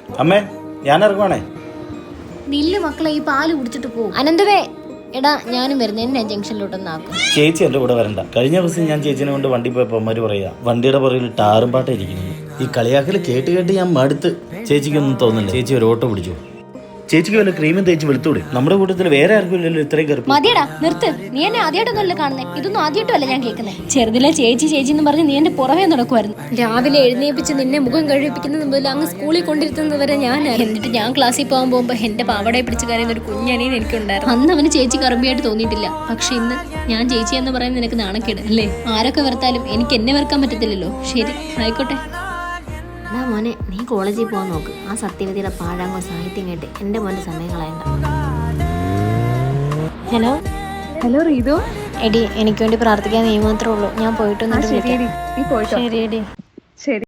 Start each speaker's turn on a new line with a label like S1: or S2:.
S1: അമ്മേ ഞാൻ ഇറങ്ങുവാണേ.
S2: നില്ല് മക്കളെ, ഈ പാല് കുടിച്ചിട്ട് പോകും. അനന്തവേ, എടാ ഞാനും വരുന്നത്, എന്നെ ജംഗ്ഷനിലോട്ടൊന്നാക്കും.
S1: ചേച്ചി എൻ്റെ കൂടെ വരണ്ട. കഴിഞ്ഞ ദിവസം ഞാൻ ചേച്ചിനെ കൊണ്ട് വണ്ടി പോയപ്പോൾ അമ്മര് പറയാ വണ്ടിയുടെ പുറകിൽ ടാറും പാട്ട ഇരിക്കുന്നു. ഈ കളിയാക്കൽ കേട്ട് കേട്ട് ഞാൻ മടുത്ത്. ചേച്ചിക്കൊന്നും തോന്നില്ല. ചേച്ചി ഒരു ഓട്ടോ പിടിച്ചു. ചേച്ചിക്ക് വല്ല ക്രീമും തേച്ച് വെളുത്തൂടെ? നമ്മുടെ കൂട്ടത്തിൽ വേറെ ആർക്കും ഇല്ലല്ലോ ഇത്രയും കറുപ്പ്.
S2: മതിയടാ, നിർത്ത്. നീ എന്നെ ആദ്യമായിട്ടൊന്നുമല്ല കാണുന്നേ, ഇതൊന്നും ആദ്യമായിട്ടല്ല ഞാൻ കേൾക്കുന്നത്. ചെറുതിലെ ചേച്ചി ചേച്ചി എന്ന് പറഞ്ഞ് നീ എന്റെ പുറമേ നടക്കുമായിരുന്നു. രാവിലെ എഴുന്നേപ്പിച്ച് നിന്നെ മുഖം കഴിപ്പിക്കുന്നത് മുതൽ അങ്ങ് സ്കൂളിൽ കൊണ്ടിരുത്തുന്നത് വരെ ഞാൻ. എന്നിട്ട് ഞാൻ ക്ലാസ്സിൽ പോകാൻ പോകുമ്പോൾ എന്റെ പാവടയെ പിടിച്ച് കരയുന്ന ഒരു കുഞ്ഞനിയൻ എനിക്കുണ്ടായിരുന്നു. അന്ന് അവന് ചേച്ചി കറുമ്പിയായിട്ട് തോന്നിയിട്ടില്ല. പക്ഷെ ഇന്ന് ഞാൻ ചേച്ചി എന്ന് പറയുന്നത് നിനക്ക് നാണക്കേട് അല്ലേ? ആരൊക്കെ വെറുത്താലും എനിക്ക് എന്നെ വെറുക്കാൻ പറ്റത്തില്ലല്ലോ. ശരി, ആയിക്കോട്ടെ. എന്നാ മോനെ, നീ കോളേജിൽ പോകാൻ നോക്ക്. ആ സത്യവതിയുടെ പാഴാങ്ങോ സാഹിത്യം കേട്ട് എൻ്റെ മോൻ്റെ സമയം കളയണ്ട. Hello
S3: hello Reethu.
S2: എടി, എനിക്ക് വേണ്ടി പ്രാർത്ഥിക്കാൻ നീ മാത്രമേ ഉള്ളൂ. ഞാൻ പോയിട്ടൊന്നും.
S3: ശരി എടി.
S2: ശരി എടി.
S3: ശരി.